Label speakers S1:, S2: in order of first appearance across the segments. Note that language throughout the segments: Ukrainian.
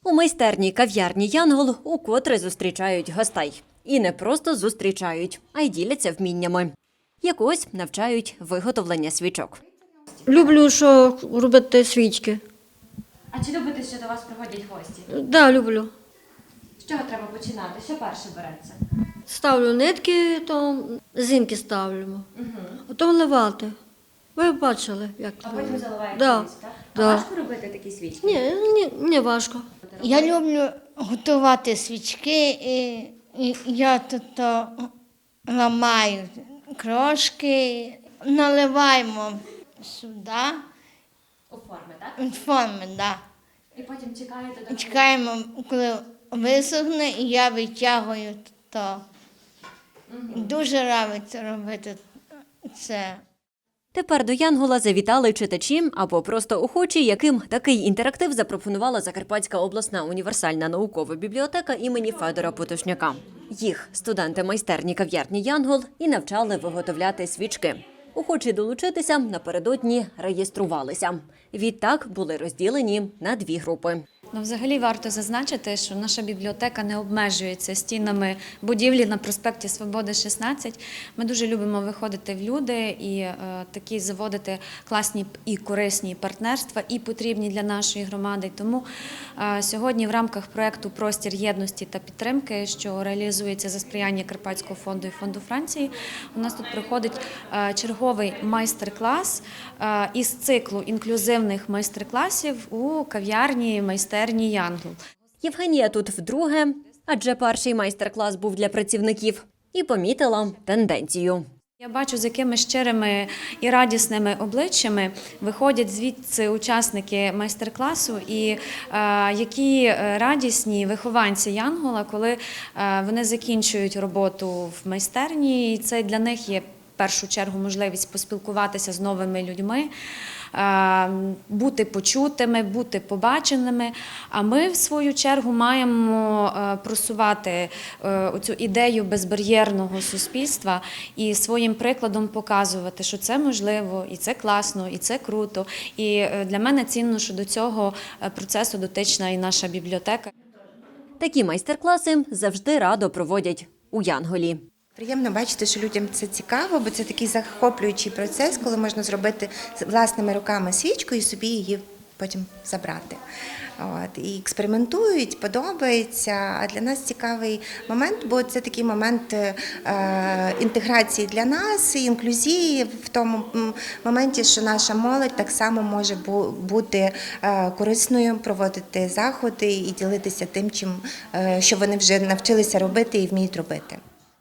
S1: У майстерні кав'ярні «Янгол» укотре зустрічають гостей. І не просто зустрічають, а й діляться вміннями. Якось навчають виготовлення свічок.
S2: Люблю, що робити свічки.
S1: А чи любите, що до вас приходять гості?
S2: Да, люблю.
S1: З чого треба починати? Що перше береться?
S2: Ставлю нитки, то зінки ставлю. Потім ливати. Ви бачили, як
S1: А потім заливаєте
S2: Да.
S1: свічку, так?
S2: Да.
S1: А важко робити такі свічки?
S2: Ні, не важко.
S3: Я люблю готувати свічки, і я тут ламаю крошки, наливаємо сюди,
S1: У форми, так?
S3: форми, да.
S1: І потім чекаєте до...
S3: Чекаємо, коли висохне, і я витягую то. Дуже подобається робити це.
S1: Тепер до «Янгола» завітали читачі або просто охочі, яким такий інтерактив запропонувала Закарпатська обласна універсальна наукова бібліотека імені Федора Потушняка. Їх студенти майстерні кав'ярні «Янгол» і навчали виготовляти свічки. Охочі долучитися напередодні реєструвалися. Відтак були розділені на дві групи.
S4: Взагалі варто зазначити, що наша бібліотека не обмежується стінами будівлі на проспекті Свободи, 16. Ми дуже любимо виходити в люди і такі заводити класні і корисні партнерства, і потрібні для нашої громади. Тому сьогодні в рамках проєкту «Простір єдності та підтримки», що реалізується за сприяння Карпатського фонду і фонду Франції, у нас тут проходить черговий майстер-клас із циклу інклюзивних майстер-класів у кав'ярні майстерні «Янгол».
S1: Євгенія тут вдруге, адже перший майстер-клас був для працівників, і помітила тенденцію.
S4: Я бачу, з якими щирими і радісними обличчями виходять звідси учасники майстер-класу і які радісні вихованці «Янгола», коли вони закінчують роботу в майстерні. І це для них є в першу чергу можливість поспілкуватися з новими людьми, бути почутими, бути побаченими. А ми, в свою чергу, маємо просувати цю ідею безбар'єрного суспільства і своїм прикладом показувати, що це можливо, і це класно, і це круто. І для мене цінно, що до цього процесу дотична і наша бібліотека.
S1: Такі майстер-класи завжди радо проводять у «Янголі».
S5: Приємно бачити, що людям це цікаво, бо це такий захоплюючий процес, коли можна зробити власними руками свічку і собі її потім забрати. І експериментують, подобається. А для нас цікавий момент, бо це такий момент інтеграції для нас, і інклюзії в тому моменті, що наша молодь так само може бути корисною, проводити заходи і ділитися тим, що вони вже навчилися робити і вміють робити.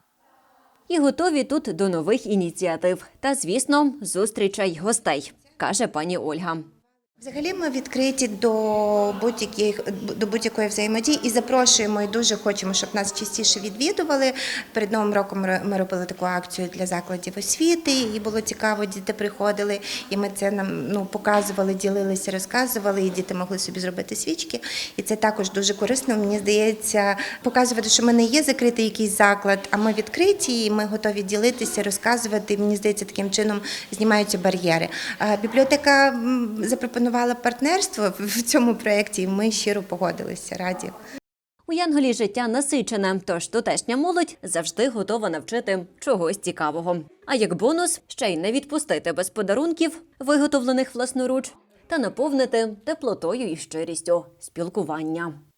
S1: І готові тут до нових ініціатив. Та, звісно, зустрічей гостей, каже пані Ольга.
S5: Взагалі ми відкриті до будь-якої взаємодії і запрошуємо, і дуже хочемо, щоб нас частіше відвідували. Перед Новим роком ми робили таку акцію для закладів освіти, і було цікаво, діти приходили, і ми це нам показували, ділилися, розказували, і діти могли собі зробити свічки. І це також дуже корисно, мені здається, показувати, що ми не є закритий якийсь заклад, а ми відкриті, і ми готові ділитися, розказувати. Мені здається, таким чином знімаються бар'єри. Бібліотека запропонувала партнерство в цьому проєкті, і ми щиро погодилися, раді.
S1: У «Янголі» життя насичене, тож тутешня молодь завжди готова навчити чогось цікавого. А як бонус, ще й не відпустити без подарунків, виготовлених власноруч, та наповнити теплотою і щирістю спілкування.